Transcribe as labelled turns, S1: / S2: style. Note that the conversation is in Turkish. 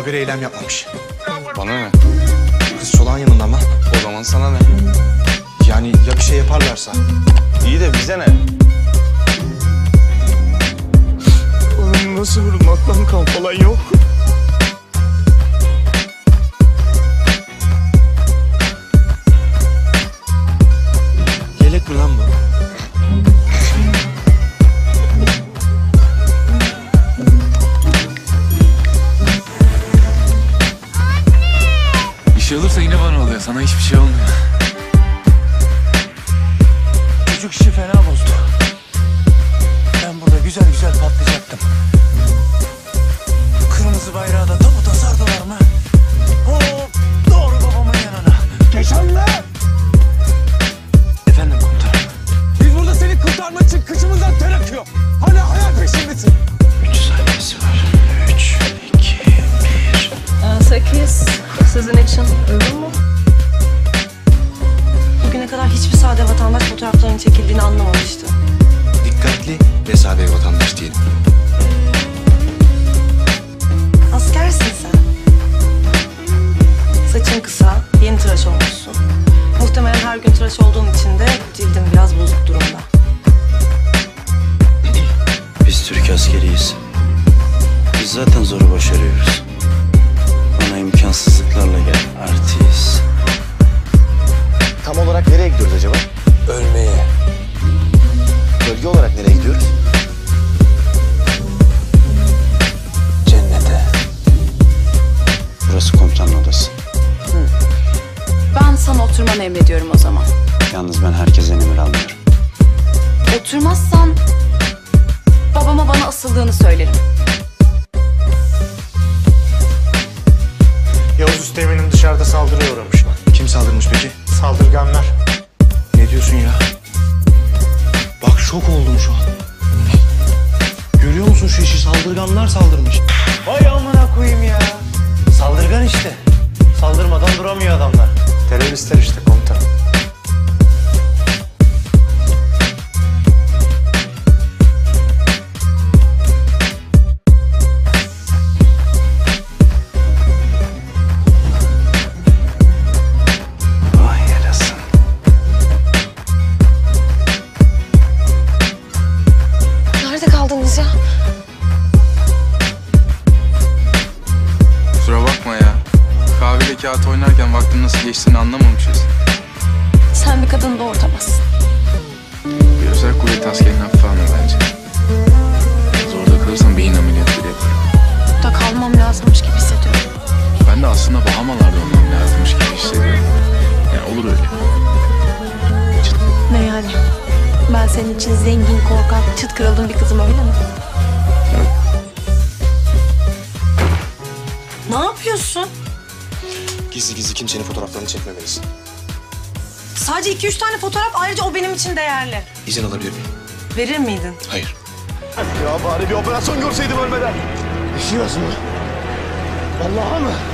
S1: Haberi eylem yapmamış.
S2: Bana ne?
S1: Kız çolağın yanında ama.
S2: O zaman sana ne?
S1: Yani ya bir şey yaparlarsa?
S2: İyi de bize ne?
S1: Oğlum nasıl vurulmaktan kan falan yok. Yelek mi lan bu?
S3: Bir şey olursa yine bana oluyor. Sana hiçbir şey olmuyor.
S1: Çocuk işi fena bozdu. Ben burada güzel güzel patlayacaktım. Kırmızı bayrağı da tabuta sardılar mı? Hop doğru babamın yanına. Keşanlı! Efendim komutanım. Biz burada seni kurtarmak için kıçımızdan ter akıyor. Hala hayal peşindesin.
S4: 3 saniyesi var. 3, 2, 1.
S5: 8. Sizin için uygun mu? Bugüne kadar hiçbir sade vatandaş fotoğraflarının çekildiğini anlamamıştı.
S1: Dikkatli ve sade vatandaş diyelim.
S5: Askersin sen. Saçın kısa, yeni tıraş olmuşsun. Muhtemelen her gün tıraş olduğun için de cildin biraz bozuk durumda.
S4: Biz Türk askeriyiz. Biz zaten zoru başarıyoruz. Bana imkansızlıklarla gel. Artist.
S1: Tam olarak nereye gidiyoruz acaba? Ölmeye. Bölge olarak nereye gidiyoruz?
S4: Cennete. Burası komutanın odası.
S6: Ben sana oturmanı emrediyorum o zaman.
S4: Yalnız ben herkesten emir almıyorum.
S6: Oturmazsan babama bana asıldığını söylerim.
S7: Yavuz Üsteğmen'in dışarıda saldırıya uğramış.
S1: Kim saldırmış peki?
S7: Saldırganlar.
S1: Ne diyorsun ya? Bak şok oldum şu an. Görüyor musun şu işi? Saldırganlar saldırmış.
S7: Vay amına koyayım ya. Saldırgan işte. Saldırmadan duramıyor adamlar. Teröristler işte komutanım.
S4: Vay yarasın.
S5: Nerede kaldınız ya?
S3: Kusura bakma ya. Kahvede kağıt oynarken vaktin nasıl geçtiğini anlamamışız.
S6: Sen bir kadını doğurtamazsın.
S3: Bir özel kuvvet askerinin hafife alma bence. Zorda kalırsan beyin ameliyatı bile yaparım.
S6: Burada kalmam lazımmış gibi hissediyorum.
S3: Ben de aslında Bahamalarda olmam lazımmış gibi hissediyorum. Yani olur öyle.
S6: Ne yani? Ben senin için zengin, korkak, çıt kırıldığın bir kızım öyle mi?
S5: Ne yapıyorsun?
S1: Gizli gizli kimsenin fotoğraflarını çekmemelisin.
S5: Sadece 2-3 tane fotoğraf, ayrıca o benim için değerli.
S1: İzin alabilir miyim?
S5: Verir miydin?
S1: Hayır.
S7: Ya bari bir operasyon görseydim ölmeden.
S1: Üşüyoruz mu? Vallahi mı?